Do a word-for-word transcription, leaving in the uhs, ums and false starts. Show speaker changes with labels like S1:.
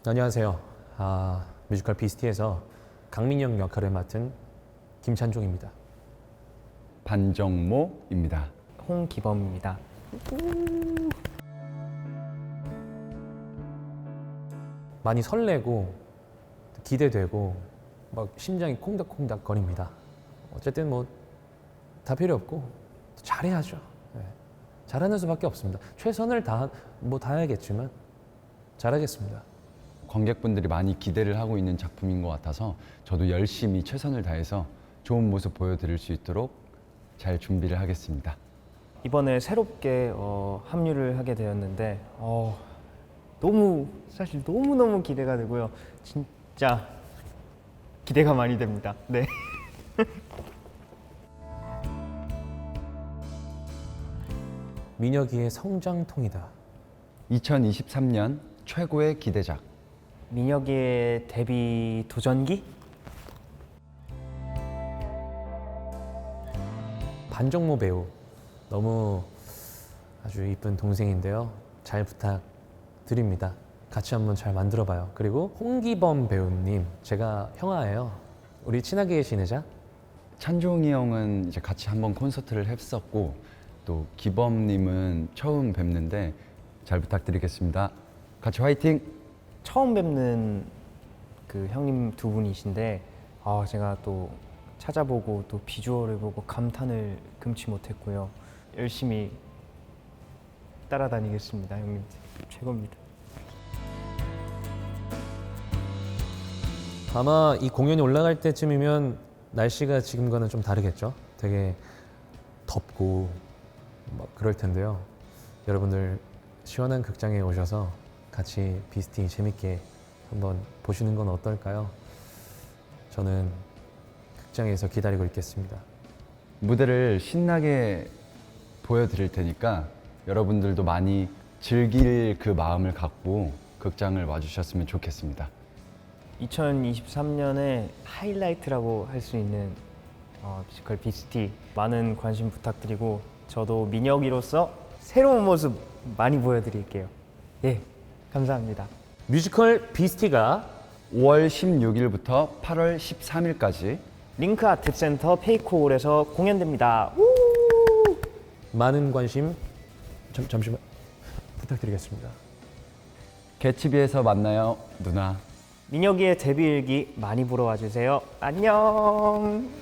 S1: 안녕하세요. 아, 뮤지컬 비스티에서 강민영 역할을 맡은 김찬종입니다.
S2: 반정모입니다.
S3: 홍기범입니다.
S1: 많이 설레고 기대되고 막 심장이 콩닥콩닥 거립니다. 어쨌든 뭐 다 필요 없고 잘해야죠. 네. 잘하는 수밖에 없습니다. 최선을 다 뭐 다해야겠지만 잘하겠습니다.
S2: 관객분들이 많이 기대를 하고 있는 작품인 것 같아서 저도 열심히 최선을 다해서 좋은 모습 보여드릴 수 있도록 잘 준비를 하겠습니다.
S3: 이번에 새롭게 어, 합류를 하게 되었는데 어, 너무 사실 너무 너무 기대가 되고요. 진짜 기대가 많이 됩니다. 네.
S1: 민혁이의 성장통이다.
S2: 이천이십삼 년 최고의 기대작.
S3: 민혁이의 데뷔 도전기?
S1: 반정모 배우 너무 아주 이쁜 동생인데요. 잘 부탁드립니다. 같이 한번 잘 만들어봐요. 그리고 홍기범 배우님, 제가 형아예요. 우리 친하게 지내자.
S2: 찬종이 형은 이제 같이 한번 콘서트를 했었고 또 기범님은 처음 뵙는데 잘 부탁드리겠습니다. 같이 화이팅!
S3: 처음 뵙는 그 형님 두 분이신데 아, 제가 또 찾아보고 또 비주얼을 보고 감탄을 금치 못했고요. 열심히 따라다니겠습니다. 형님 최고입니다.
S1: 아마 이 공연이 올라갈 때쯤이면 날씨가 지금과는 좀 다르겠죠. 되게 덥고 막 그럴 텐데요. 여러분들 시원한 극장에 오셔서 같이 비스티 재밌게 한번 보시는 건 어떨까요? 저는 극장에서 기다리고 있겠습니다.
S2: 무대를 신나게 보여드릴 테니까 여러분들도 많이 즐길 그 마음을 갖고 극장을 와주셨으면 좋겠습니다.
S3: 이천이십삼 년의 하이라이트라고 할 수 있는 어, 뮤지컬 비스티 많은 관심 부탁드리고 저도 민혁이로서 새로운 모습 많이 보여드릴게요. 예, 감사합니다.
S1: 뮤지컬 비스티가
S2: 오월 십육일부터 팔월 십삼일까지
S3: 링크 아트센터 페이코홀에서 공연됩니다. 우!
S1: 많은 관심 잠, 잠시만 부탁드리겠습니다.
S2: 개츠비에서 만나요, 누나.
S3: 민혁이의 데뷔 일기 많이 보러 와주세요. 안녕.